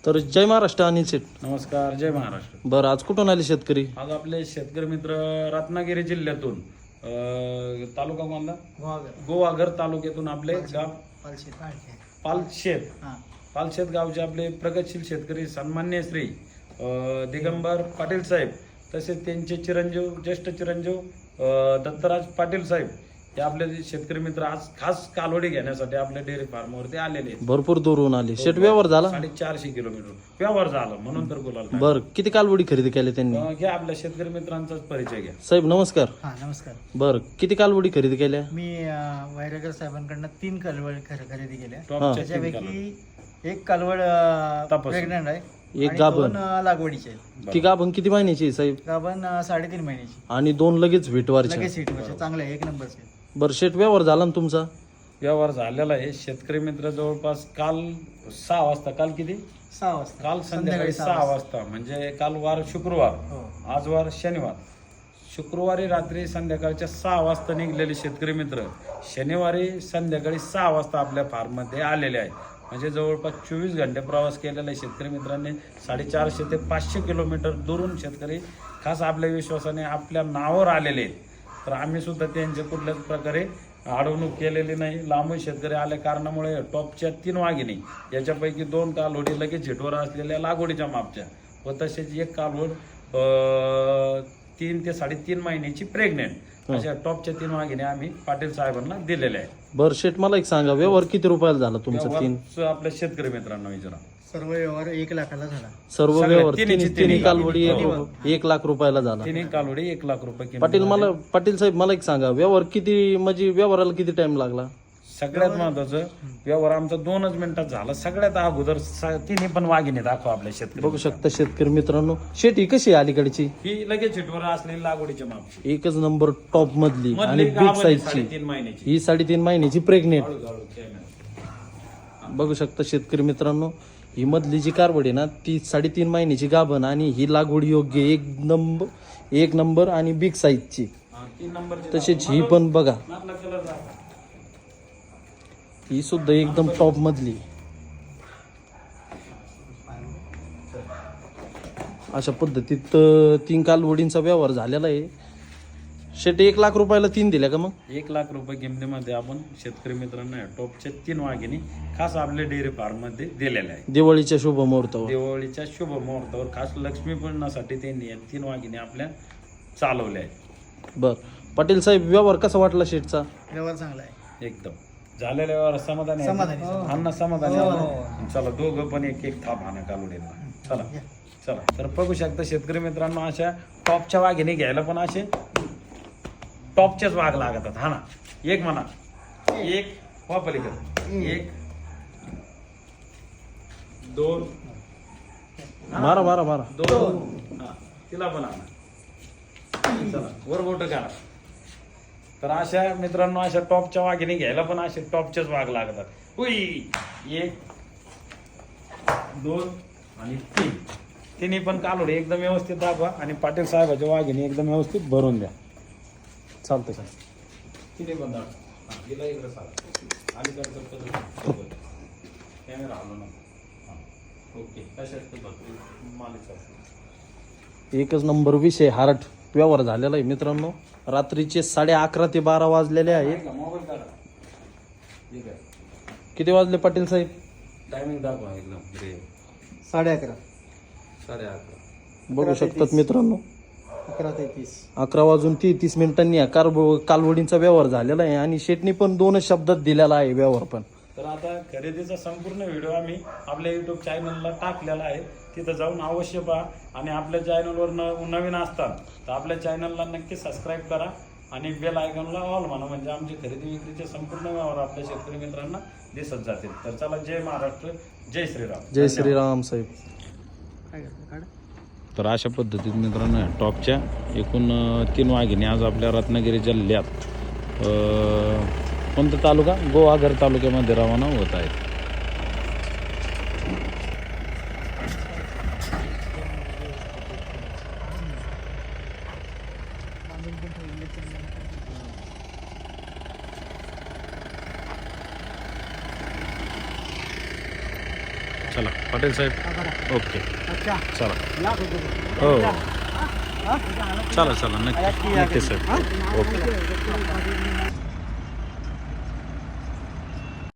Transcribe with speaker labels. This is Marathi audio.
Speaker 1: तर जय महाराष्ट्र अनिल शेठ.
Speaker 2: नमस्कार, जय महाराष्ट्र.
Speaker 1: बरं, आज कुठून आले शेतकरी?
Speaker 2: आज आपले शेतकरी मित्र रत्नागिरी जिल्ह्यातून तालुका कोणता? गोवाघर तालुक्यातून आपले गाव पालशेत गावचे आपले प्रगतशील शेतकरी सन्मान्य श्री दिगंबर पाटील साहेब, तसेच त्यांचे चिरंजीव ज्येष्ठ चिरंजीव दत्तराज पाटील साहेब हे आपले शेतकरी मित्र आज खास कालवडी घेण्यासाठी आपल्या डेअरी फार्मवरती आलेले आहेत.
Speaker 1: भरपूर दूरहून आले. शेट व्यवहार झाला?
Speaker 2: 450 किलोमीटर व्यवहार झाला, म्हणून तर बोलाल.
Speaker 1: बरं, किती कालवडी खरेदी केली त्यांनी?
Speaker 2: घ्या आपल्या शेतकरी मित्रांचाच परिचय घ्या.
Speaker 1: साहेब नमस्कार.
Speaker 3: नमस्कार.
Speaker 1: बरं, किती कालवडी खरेदी केल्या?
Speaker 3: मी वैरागर साहेबांकडनं 3 कालवड खरेदी केल्या.
Speaker 2: टॉपच्या
Speaker 3: त्याच्यापैकी एक कालवड प्रेग्नंट आहे,
Speaker 1: एक
Speaker 3: आणि
Speaker 1: गाभण.
Speaker 3: 2 लागवडीचे आहेत.
Speaker 1: ती गाभण किती महिन्याची आहे साहेब?
Speaker 3: गाभण 3.5 महिन्याची.
Speaker 1: आणि 2 लगेच व्हिटवारच्या.
Speaker 3: लगेच सीटवरचे चांगले आहे, 1 नंबरचे.
Speaker 1: बरं शेट, व्यवहार झाला ना तुमचा?
Speaker 2: व्यवहार झालेला आहे. शेतकरी मित्र जवळपास काल 6 वाजता, काल किती?
Speaker 3: 6 वाजता.
Speaker 2: काल संध्याकाळी 6 वाजता, म्हणजे काल वार शुक्रवार,
Speaker 3: हो.
Speaker 2: आज वार शनिवार. शुक्रवारी रात्री संध्याकाळच्या 6 वाजता निघलेले शेतकरी मित्र शनिवारी संध्याकाळी 6 वाजता आपल्या फार्ममध्ये आलेले आहे. म्हणजे जवळपास 24 घंटे प्रवास केलेला आहे शेतकरी मित्रांनी. 450 ते 500 किलोमीटर दुरून शेतकरी खास आपल्या विश्वासाने आपल्या नावावर आलेले आहेत. तर आम्ही सुद्धा त्यांच्या कुठल्याच प्रकारे अडवणूक केलेली नाही. लांबून शेतकरी आल्या कारणामुळे टॉपच्या 3 वाघिणी, याच्यापैकी 2 कालवडी लगेच झेटवर असलेल्या लागवडीच्या मापच्या, व तसेच एक कालवड 3 ते 3.5 महिन्याची प्रेग्नेंट, अशा टॉपच्या 3 वाघिणी आम्ही पाटील साहेबांना दिलेल्या आहेत.
Speaker 1: बरं शेट, मला एक सांगा, व्यवहार किती रुपयाला झाला तुमचा? 3
Speaker 2: आपल्या शेतकरी मित्रांना विचारा.
Speaker 3: सर्व व्यवहार 1 लाखाला झाला.
Speaker 1: सर्व
Speaker 2: सगळे
Speaker 1: व्यवहार
Speaker 2: तिन्ही
Speaker 1: तिन्ही कालवडी
Speaker 2: हो.
Speaker 1: 1 लाख रुपयाला झाला.
Speaker 2: 3 कालवडी 1 लाख रुपये किंमत
Speaker 1: पाटील
Speaker 2: झाली.
Speaker 1: पाटील साहेब, मला एक सांगा, व्यवहार किती, म्हणजे व्यवहाराला किती टाइम लागला?
Speaker 2: सगळ्यात महत्वाचं, व्यवहार आमचा 2च मिनिटात झाला. सगळ्यात अगोदर तिन्ही पण वाघिणी दाखवा आपल्या शेतकरी.
Speaker 1: बघू शकता शेतकरी मित्रांनो, शेट ही कशी आहे अलीकडची?
Speaker 2: ही लगेच झेटवर असलेली लागवडीच्या मापची,
Speaker 1: एकच नंबर टॉप मधली आणि बिग साईजची.
Speaker 2: 3.5 महिन्याची.
Speaker 1: ही 3.5 महिन्याची प्रेग्नेंट.
Speaker 2: हळूहळू कॅमेरा.
Speaker 1: बघू शकता शेतकरी मित्रांनो, ही मधली जी कारवड आहे ना, ती 3.5 महिन्याची गाभण, आणि ही लागवड योग्य एक नंबर आणि बिग साईजची.
Speaker 2: 3 नंबर.
Speaker 1: तसेच ही पण बघा,
Speaker 2: कलर दाखवा.
Speaker 1: ही सुद्धा एकदम टॉप मधली. अशा पद्धतीत 3 कालवडींचा व्यवहार झालेला आहे. शेट 1 लाख रुपयाला 3 दिल्या का? मग
Speaker 2: 1 लाख रुपये किमतीमध्ये आपण शेतकरी मित्रांना टॉपच्या 3 वाघिणी खास आपल्या डेअरी फार्म मध्ये दिलेल्या आहे.
Speaker 1: दिवाळीच्या शुभ मुहूर्तावर.
Speaker 2: दिवाळीच्या शुभ मुहूर्तावर खास लक्ष्मीपूजनासाठी त्यांनी या 3 वाघिणी आपल्या चालवल्या आहेत.
Speaker 1: बर पाटील साहेब, व्यवहार कसा वाटला शेटचा?
Speaker 3: व्यवहार चांगला आहे.
Speaker 2: एकदम झालेल्या व्यवहार समाधानी आहे?
Speaker 3: समाधानी.
Speaker 2: अण्णा समाधानी आहे? चला, दोघं पण एक थाप आणा कालवडीला. चला चला. तर बघू शकता शेतकरी मित्रांनो, अशा टॉपच्या वाघिणी घ्यायला पण असे टॉपच्याच वाघ लागतात. हा ना, एक म्हणा, एक वापलीकर, 1 2
Speaker 1: मारा मारा मारा.
Speaker 2: 2. हा, तिला पण आणा. चला, वर बोट करा. तर अशा मित्रांनो, अशा टॉपच्या वाघिणी घ्यायला पण असे टॉपचेच वाघ लागतात. उई, 1 2 आणि 3. तिन्ही पण कालोडे एकदम व्यवस्थित दाखवा, आणि पाटील साहेबाच्या वाघिणी एकदम व्यवस्थित भरून द्या.
Speaker 1: चालतं का?
Speaker 2: तिन्ही पण दाखवा. गेला इकडे सारा अलीकडचं कॅमेरा आलो ना. ओके, कशात मालिक.
Speaker 1: एकच नंबर विषय हार्ट व्यवहार झालेला आहे मित्रांनो. रात्रीचे 11:30 ते 12 वाजलेले आहेत.
Speaker 2: मोबाईल काढा. ठीक आहे,
Speaker 1: किती वाजले पाटील साहेब?
Speaker 2: टायमिंग दाखवा एकदम.
Speaker 3: 11:30.
Speaker 2: 11:30.
Speaker 1: बघू शकतात मित्रांनो,
Speaker 3: 11:33.
Speaker 1: 11 वाजून 33 मिनिटांनी या कालवडींचा व्यवहार झालेला आहे, आणि शेटनी पण 2च शब्दात दिलेला आहे व्यवहार पण.
Speaker 2: तर आता खरेदीचा संपूर्ण व्हिडिओ आम्ही आपल्या युट्यूब चॅनलला टाकलेला आहे. तिथं जाऊन अवश्य पहा, आणि आपल्या चॅनलवर नवीन असतात तर आपल्या चॅनलला नक्की सबस्क्राईब करा, आणि बेल आयकॉनला ऑल म्हणा, म्हणजे आमचे खरेदी विक्रीचे संपूर्ण व्यवहार आपल्या शेतकरी मित्रांना दिसत जातील. तर चला, जय महाराष्ट्र, जय श्रीराम.
Speaker 1: जय श्रीराम साहेब.
Speaker 3: काय करतो? काढ.
Speaker 2: तर अशा पद्धतीत मित्रांनो, टॉपच्या एकूण 3 वाघिणी आज आपल्या रत्नागिरी जिल्ह्यात कोणता तालुका? गोवाघर तालुक्यामध्ये रवाना होत आहेत. चला पटेल साहेब ओके चला हो चला चला नक्की नक्की साहेब ओके